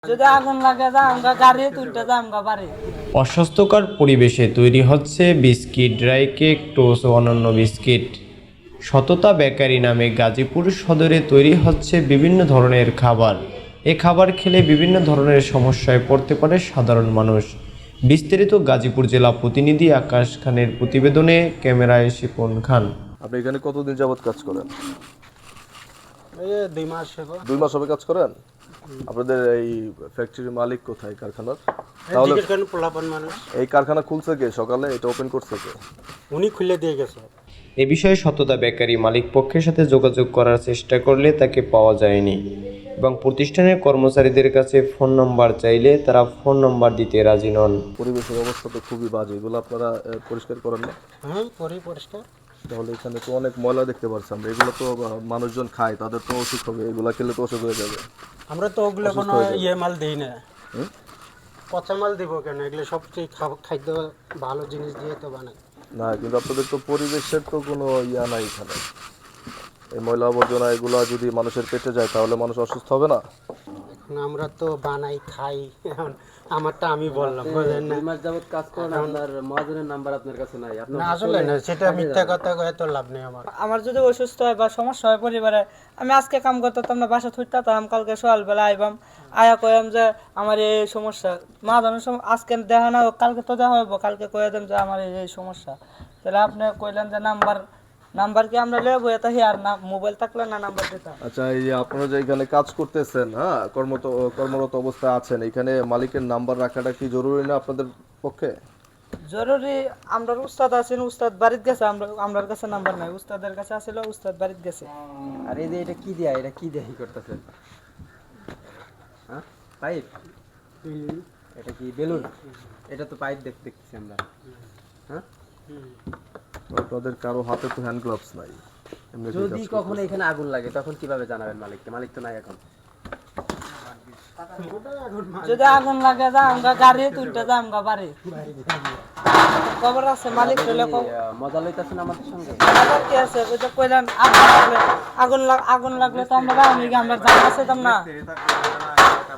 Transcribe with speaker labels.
Speaker 1: যদি আগুন লাগে যা আমরা গাড়ি তুলতে যা আমরা বাড়ি।
Speaker 2: অস্বাস্থ্যকর পরিবেশে তৈরি হচ্ছে বিস্কিট, ড্রাই কেক, টোস্ট ও অন্যান্য বিস্কিট। সততা বেকারি নামে গাজীপুর সদরে তৈরি হচ্ছে বিভিন্ন ধরনের খাবার। এ খাবার খেলে বিভিন্ন ধরনের সমস্যায় পড়তে পারে সাধারণ মানুষ। বিস্তারিত গাজীপুর জেলা প্রতিনিধি আকাশ খানের প্রতিবেদনে, ক্যামেরায় শিপন খান।
Speaker 3: আপনি এখানে কতদিন যাবত কাজ করেন?
Speaker 4: এই 2 মাস হবে।
Speaker 3: 2 মাস হবে কাজ করেন? আপনাদের এই ফ্যাক্টরির মালিক কোথায় কারখানার? তাহলে
Speaker 4: জিজ্ঞেস করেন পোলাপান মানুষ,
Speaker 3: এই কারখানা খুলছে কে? সকালে এটা ওপেন করছে কে?
Speaker 4: উনি খুলে দিয়ে গেছে।
Speaker 2: এ বিষয়ে সততা বেকারি মালিক পক্ষের সাথে যোগাযোগ করার চেষ্টা করলে তাকে পাওয়া যায়নি এবং প্রতিষ্ঠানের কর্মচারীদের কাছে ফোন নম্বর চাইলে তারা ফোন নম্বর দিতে রাজি নন।
Speaker 3: পরিবেশের অবস্থা তো খুবই বাজে, এগুলো আপনারা পরিষ্কার করেন না?
Speaker 4: হ্যাঁ, করি পরিষ্কার।
Speaker 3: তাহলে এখানে তো অনেক ময়লা দেখতে পাচ্ছি আমরা, এগুলো তো মানুষজন খায়, তাদের তো অসুখ হবে, এগুলো খেলে তো অসুখ হয়ে যাবে।
Speaker 4: আমরা তো ওগুলো
Speaker 3: অসুস্থ
Speaker 4: কোনো
Speaker 3: হয়ে যাবে।
Speaker 4: ইয়ে মাল দিই না।
Speaker 3: হুম?
Speaker 4: পচা মাল দিব কেন? এগুলো সবচেয়ে খাদ্য ভালো জিনিস দিয়ে তো বানাই।
Speaker 3: না, কিন্তু আপনাদের তো পরিবেশের তো কোনো ইয়া নাই এখানে। এই ময়লা আবর্জনা এগুলো যদি মানুষের পেটে যায় তাহলে মানুষ অসুস্থ হবে না?
Speaker 4: এখন আমরা তো বানাই খাই, এখন আমারটা আমি বললাম, বুঝলেন না?
Speaker 5: 2 মাস যাবত কাজ করেন, আপনার মহাজনের নাম্বার আপনার কাছে নাই। আপনি
Speaker 4: না, আসলে না, সেটা মিথ্যা কথা কয়ে তো লাভ নেই আমার।
Speaker 1: আমার যদি অসুস্থ হয় বা সমস্যা হয় পরিবারে, আমি আজকে কাম করতাম না, বাসা থুইতাম, কালকে সকালবেলা আইবাম, আয়া কয়াম যে আমার এই সমস্যা, মা জানার আজকে দেখা না হোক, কালকে তো দেখা হইব, কালকে কয়ে দেন যে আমার এই সমস্যা। তাহলে আপনি কইলেন যে নাম্বার কি আমরা লেবো, এটা আর না মোবাইল থাকলে না নাম্বার দিতাম।
Speaker 3: আচ্ছা, এই যে আপনারা যে এখানে কাজ করতেছেন, হ্যাঁ, কর্মরত অবস্থায় আছেন, এখানে মালিকের নাম্বার রাখাটা কি জরুরি না আপনাদের পক্ষে?
Speaker 1: জরুরি। আমরা উস্তাদ আছেন, উস্তাদ বাড়িতে গেছে, আমরার কাছে নাম্বার নাই, উস্তাদের কাছে আছিল, উস্তাদ বাড়িতে গেছে।
Speaker 5: আর এই যে এটা কি দেয়া, এটা কি দেয়া করতেছেন? হ্যাঁ, পাইপ? এটা কি বেলুন? এটা তো পাইপ দেখতেছি আমরা। হ্যাঁ,
Speaker 3: আপনাদের কারো হাতে তো হ্যান্ড গ্লাভস নাই, এমনি কি
Speaker 5: যদি
Speaker 3: কাজ
Speaker 5: কখনো
Speaker 3: করতেছেন?
Speaker 5: এখানে আগুন লাগে তখন কিভাবে জানাবেন মালিককে? মালিক তো নাই এখন।
Speaker 1: যদি আগুন লাগে যা আমরা গাড়ি তুলতে যা আমরা বাড়ি। খবর আছে মালিক হলে
Speaker 5: মজা লইতেছেন আমাদের সঙ্গে?
Speaker 1: খবর কি আছে, ওই যে কইলেন আগুন লাগলে তো আমরা আমরা জানা আছে না।